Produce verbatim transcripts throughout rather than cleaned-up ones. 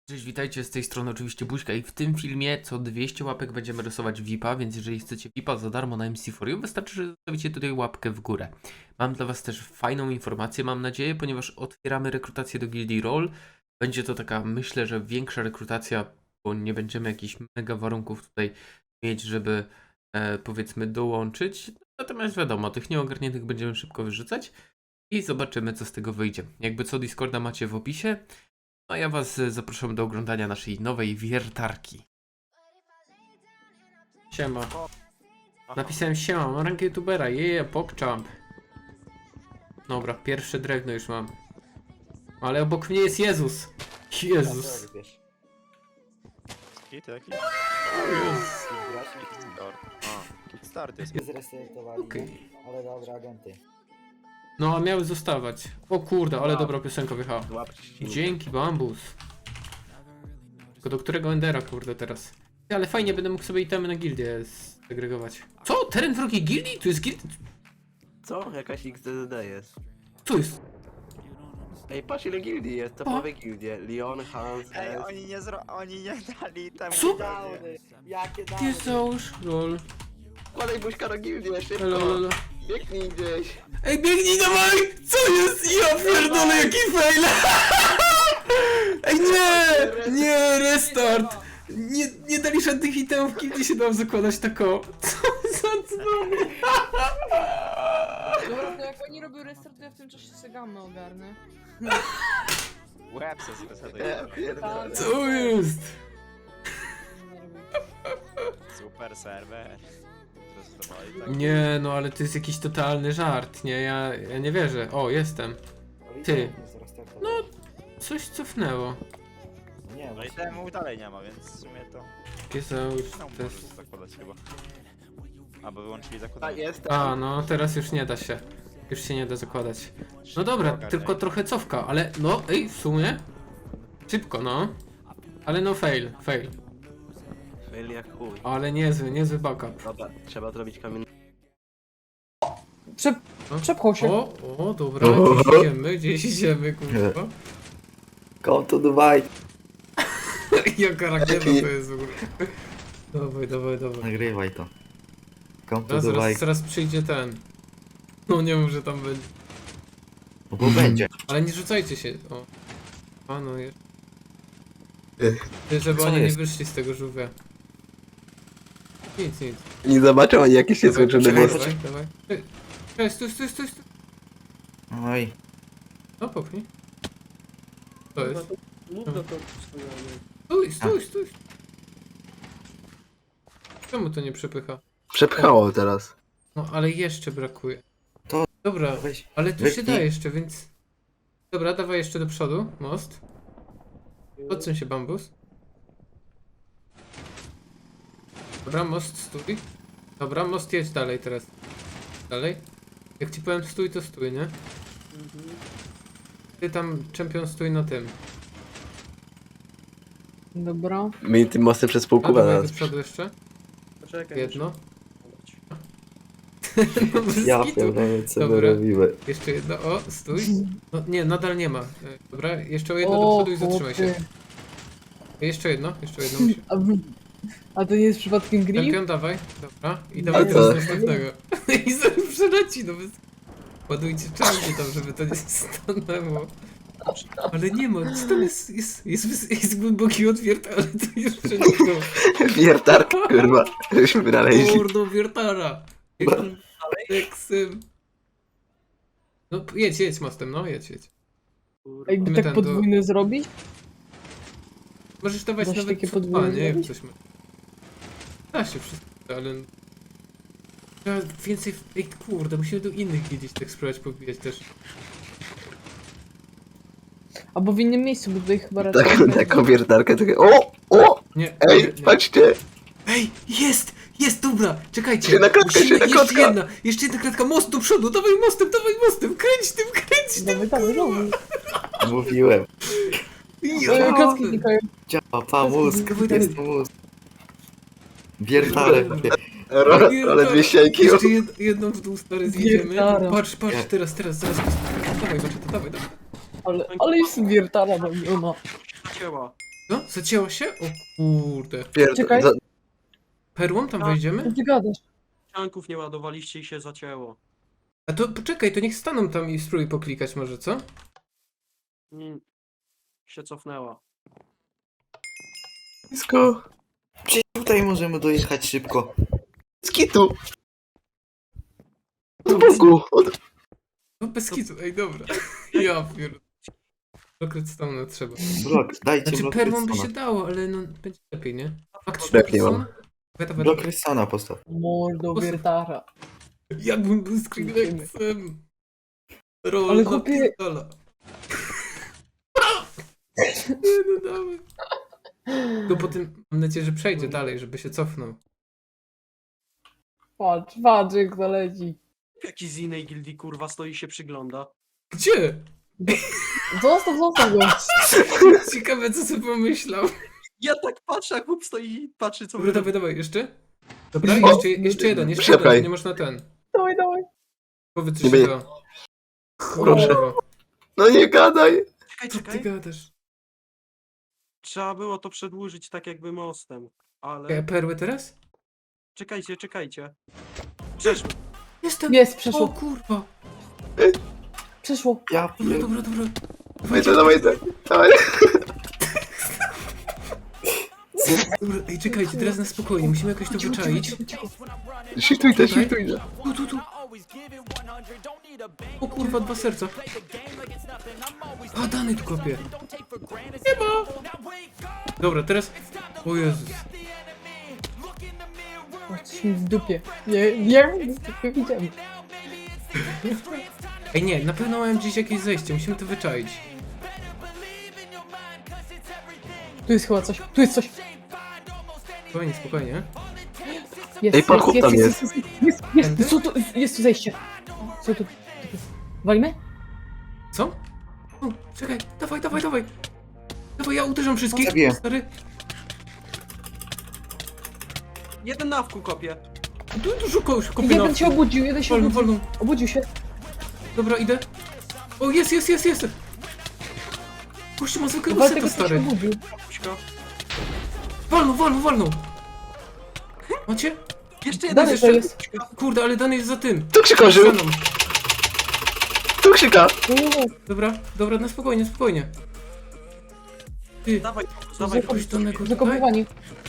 Cześć, witajcie, z tej strony oczywiście Buźka i w tym filmie co dwieście łapek będziemy rysować V I P-a, więc jeżeli chcecie V I P-a za darmo na M C cztery, wystarczy, że zostawicie tutaj łapkę w górę. Mam dla was też fajną informację, mam nadzieję, ponieważ otwieramy rekrutację do Gildii Roll. Będzie to taka, myślę, że większa rekrutacja, bo nie będziemy jakichś mega warunków tutaj mieć, żeby e, powiedzmy dołączyć. Natomiast wiadomo, tych nieogarniętych będziemy szybko wyrzucać i zobaczymy, co z tego wyjdzie. Jakby co, Discorda macie w opisie. No a ja was e, zapraszam do oglądania naszej nowej wiertarki. Siema. Napisałem siema, mam rankę youtubera, jeje, pokczamp. Dobra, pierwsze drewno już mam. Ale obok mnie jest Jezus. Jezus. Hit jaki? Jezus. A, Kickstart jest. Zresetowali, Okej. no, ale dobra, agenty. No a miały zostawać. O kurde, ale dobra piosenka wjechała. Łapki. Dzięki, bambus. Tylko do którego Endera, kurde, teraz? Ale fajnie, będę mógł sobie itemy na gildię segregować. Co? Teren wrogiej gildii? Tu jest gildia? Co? Jakaś X D D jest. Co jest? Ej, patrz ile gildii jest, topowe gildie. Leon, Hans, Ej, S. oni nie zro... oni nie dali tam. Co? Downy! Jakie downy! Ty załóż, lol. Kładaj buźka na gildię, szybko! Elo, elo. Biegnij gdzieś! Ej, biegnij dawaj! Co jest? Ja pierdolę, jaki fail! Ej, nie! Nie, restart! Nie, nie dali żadnych itemów, kiedy się dam zakładać tako. Co za dzwony? Dobra, to jak oni robią restart, to ja w tym czasie sobie gamę ogarnę. Łeb se zresetuj. Ja pierdolę. Co jest? Nie robię. Super serwer. Zresetowali tak. Nie, no ale to jest jakiś totalny żart, nie? Ja, ja nie wierzę. O, jestem. Ty. No. Coś cofnęło. Nie, No i właśnie. temu dalej nie ma, więc w sumie to... Pieseusz, No to możesz jest... zakładać chyba. Albo wyłączyli A, zakładanie. jestem. A, no teraz już nie da się. Już się nie da zakładać. No dobra, Ogarniaj. tylko trochę cofka, ale no, ej, w sumie. Szybko, no. Ale no fail, fail. Fail jak chuj. Ale niezły, niezły backup. Dobra, trzeba zrobić kamień. Przep... No. Przepchał się. O, o, dobra, gdzieś idziemy, gdzieś idziemy, kurwa. Come to Dubai! Jaka rakieta to jest w ogóle. Dawaj, dawaj, dawaj. Nagrywaj to. Come to Zaraz, Dubai. zaraz, zaraz przyjdzie ten. No nie mów, że tam będzie. No bo będzie. Ale nie rzucajcie się. O. A no jest. Ty, żeby Co oni jest? nie wyszli z tego żółwia. Nic, nic. Nie zobaczą ani jakie się Dawaj, złożyły dawaj, most. dawaj, dawaj. Ej, Ej, stój, stój, stój, stój. Oj. No popchnij. To jest. Mów do to Stój, stój, stój. Czemu to nie przepycha? Przepchało teraz. No ale jeszcze brakuje. To- Dobra, Weź. ale tu się wypnij. da jeszcze, więc... Dobra, dawaj jeszcze do przodu, most. Odsuń się, bambus. Dobra, most stój. Dobra, most jedź dalej teraz. Dalej. Jak ci powiem stój, to stój, nie? Ty tam, czempion, stój na tym. Dobra. My tym mostem przez pół A kuba dawaj na do nas. przodu jeszcze. Poczekaj. Jedno. muszę- No, bez Ja kitu. pierdolę, co my Dobra. robimy. Jeszcze jedno, o, stój. No nie, nadal nie ma. E, Dobra, jeszcze o jedno do O, przodu i zatrzymaj się. chłopie. Jeszcze jedno, jeszcze jedno musi. A, w- a to nie jest przypadkiem grip? Czempion, dawaj. Dobra. I dawaj A teraz co? następnego. I zaraz przeleci, no bez... Ładujcie czarnie tam, żeby to nie stanęło. Ale nie ma, co tam jest, jest, jest, jest, jest głęboki otwiert, ale to jeszcze nie to. Wiertarka, kurwa. Żeśmy wynaleźli. Mordo wiertara. Teksem. No jedź, jedź mostem, no jedź, jedź. A jakby My tak ten do- podwójne zrobić? Możesz dawać Dasz nawet takie co dwa, podwójne nie? Jak zrobić? coś ma. Da się wszystko, ale... Trzeba więcej... Ej, kurde, musimy do innych gdzieś tak spróbować pobijać też. Albo w innym miejscu, bo tutaj chyba raczej... Taką, taką wiertarkę, takie o! O! Nie, Ej, nie, nie. patrzcie! Ej, jest! Jest, dobra! Czekajcie! Jedna klatka, Musimy, jedna jeszcze klatka. jedna! Jeszcze jedna klatka, most do przodu! Dawaj mostem, dawaj mostem! Kręć tym, kręć tym! Dawaj, dawaj, dawaj. Mówiłem. E, Kacki znikają. Działa, pa, mózg. Dawaj, dawaj. Jest mózg. Wiertale. Ro, ale dwie ścianki. Jeszcze jed, jedną w dół stary zjedziemy. Wiertara. Patrz, patrz, Nie. teraz, teraz, zaraz. Dawaj, Macie, to dawaj, dawaj. Ale, ale jest wiertara, no nie ma. Siema. No, zacięło się? O kurde. Pierd... Czekaj. za- Perłą tam Tak. wejdziemy? Co ty gadasz? Ścianków nie ładowaliście i się zacięło. A to poczekaj, to niech staną tam i spróbuj poklikać może, co? Mm. Się cofnęła. Blisko. Przecież tutaj możemy dojechać szybko. Z kitu. Od boku. Od... No bez kitu, ej dobra. Ja pierdolę. Blok stone trzeba. Blok, dajcie Znaczy blok perłą by się redstone'a. dało, ale no będzie lepiej, nie? A ktoś Lepiej ma mam. redstone? Weta, weta. Blok redstone'a postaw. Mordo wiertara. Jakbym był Skrillexem. Roll Ale na chłopie- pistola. Nie no dawaj. Tylko potem mam nadzieję, że przejdzie dalej, żeby się cofnął. Patrz, patrz jak zaleci. Jaki z innej gildii kurwa stoi i się przygląda. Gdzie? Zostaw, zostaw go. Ciekawe co sobie pomyślał. Ja tak patrzę, jak chłop stoi i patrzy co Dobra, wy dawaj, dawaj, jeszcze? Dobra, O! jeszcze, jeszcze jeden, jeszcze jeden, Czekaj. nie można ten. Dawaj, dawaj. Powiedz Nie coś się będzie- da. Proszę. Kurwa, No nie gadaj. Czekaj, co ty czekaj. gadasz? Trzeba było to przedłużyć tak jakby mostem. E, Ale... perły teraz? Czekajcie, czekajcie. Przeszło. Jestem! Jest, O przeszło, kurwa! przeszło. Ja Dobra, pier... dobra, dobra. Dawaj to, dawaj to. Dawaj. Dobra, ej, czekajcie, teraz na spokojnie, musimy jakoś to wyczaić. Shiftuj to, Tutaj? shiftuj to. Tu, tu, tu. O kurwa, dwa serca. A, Dany tu kopie. Nie ma. Dobra, teraz... O Jezus. Jesteśmy w dupie. Nie, nie, nie widziałem. Ej, nie, na pewno mają gdzieś jakieś zejście, musimy to wyczaić. Tu jest chyba coś, tu jest coś. Spokojnie, spokojnie. Jest, Ej, pan chłop tam jest, jest, jest, Tędy? jest, co tu, jest tu zejście. Co tu? Walimy? Co? O, czekaj, dawaj, dawaj, dawaj. Dawaj, ja uderzam wszystkich. Zabiję. Stary. Jeden na wku kopie. Tu dużo kogoś kopie na... Jeden się obudził, jeden się Wolno, obudził. wolno. Obudził się. Dobra, idę. O, jest, jest, jest, jest. Gościu ma zwykłego Walter seta, się stary. obudził. Puśko. Wolno, wolno, wolno. Macie? Jeszcze jeden Dalej jeszcze- to jest. Kurde, ale Dany jest za tym. Tu krzyka żył. Za mną. Tu krzyka. Nie, nie, nie. Dobra, dobra, na spokojnie, spokojnie. Ty, Dawaj, dawaj. jakoś Danego tutaj? Zakopywanie.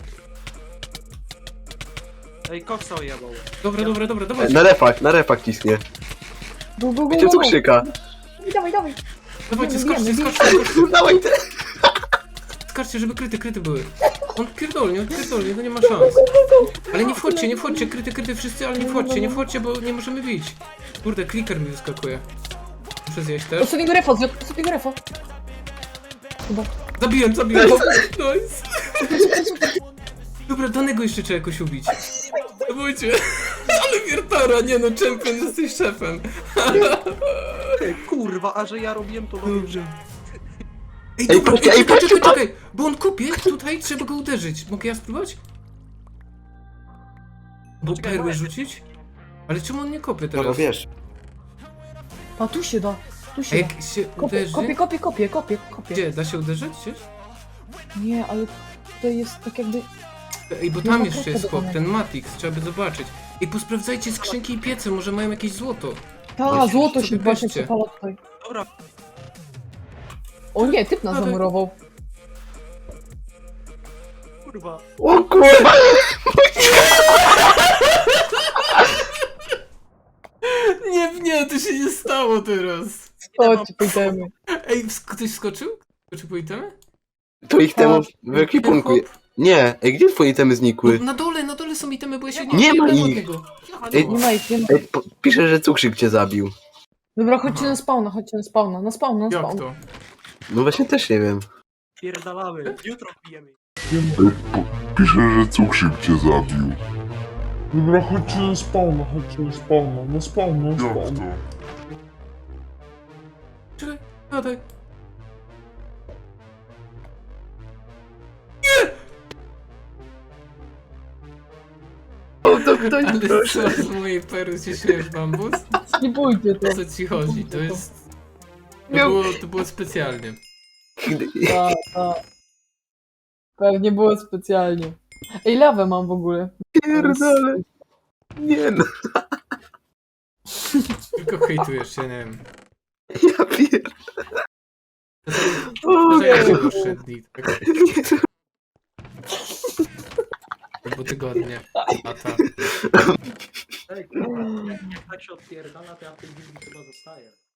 Ej, koksa ojebał. Dobra, dobra, dobra, dawaj. Na refach, na refach ciśnie. Go, go, go, Wiecie go, tu go. krzyka. Dawaj, dawaj. Dawajcie, Wiemy, skoczcie, wiemy, skoczcie, skoczcie, Dawaj te. skoczcie, żeby kryty, kryty były. On pierdolnie, on pierdolnie, no nie ma szans. Ale nie wchodźcie, nie wchodźcie, kryty, kryty wszyscy, ale nie wchodźcie, nie wchodźcie, bo nie możemy bić. Kurde, kliker mi wyskakuje. Muszę zjeść też. Ostatniego refa, zjadł ostatniego refa. Chyba. Zabiłem, zabiłem. Nice. Dobra, Danego jeszcze trzeba jakoś ubić. Dawajcie. Ale wiertara, nie no, champion, jesteś szefem. Ej, kurwa, a że ja robiłem to dobrze. Ej, Ej, dobra, patrzcie, ej, ej, czekaj, patrzcie, czekaj, czekaj, bo on kopie, tutaj trzeba go uderzyć. Mogę ja spróbować? Bo Poczekaj, perły moment. rzucić? Ale czemu on nie kopie Dobra, teraz? wiesz. A tu się da. Tu A się da. jak się Kopie, uderzy... kopie, kopie, kopie, kopie, kopie. Gdzie? Da się uderzyć gdzieś? Nie, ale tutaj jest tak jakby... Ej, bo Nie tam ma jeszcze kropka jest do chłop, konia. ten Matix, trzeba by zobaczyć. Ej, posprawdzajcie skrzynki i piece, może mają jakieś złoto. Ta, Właśnie, złoto sobie się właśnie weźcie. przepala tutaj. Dobra, O nie, typ nas Dawaj. zamurował. kurwa. O kurwa. Nie, nie, to się nie stało teraz. Chodź, pójdziemy. Ej, sk- ktoś skoczył? Skoczył po itemy? To ich temu w Ten ekwipunku. chłop? Nie, ej, gdzie twoje temy No, znikły? na dole, na dole są itemy, bo ja się nie Nie ma odbiłem od ich. niego. Ej, Nie ma ich, nie ma. Ej, po- pisze, że cukrzyk cię zabił. Dobra, chodźcie na spawna, chodźcie na spawna, na spawna, na Jak spawna. to? No właśnie też nie wiem. Pierdalamy. Jutro pijemy. Pisze, że cukrzyk cię zabił. Dobra, chodźcie na spawna, chodźcie na spawna, na spawna, na Jak spawna. to? Czekaj, gadaj. O, to ktoś, Ale proszę. co z mojej pery się śmiesz, bambus? Nie bójcie to. O co ci chodzi? To jest... To Miał- było, to było specjalnie. Ta, ta. Pewnie było specjalnie. Ej, lawę mam w ogóle. Pierdolę. Nie no, Tylko hejtujesz, ja nie wiem. ja pier... Poczekaj się poszedli, tak? Po tygodnie. Lata. Ej, kurwa, jak, jak tak się odpierdala, to ja w tej gildii chyba zostaję.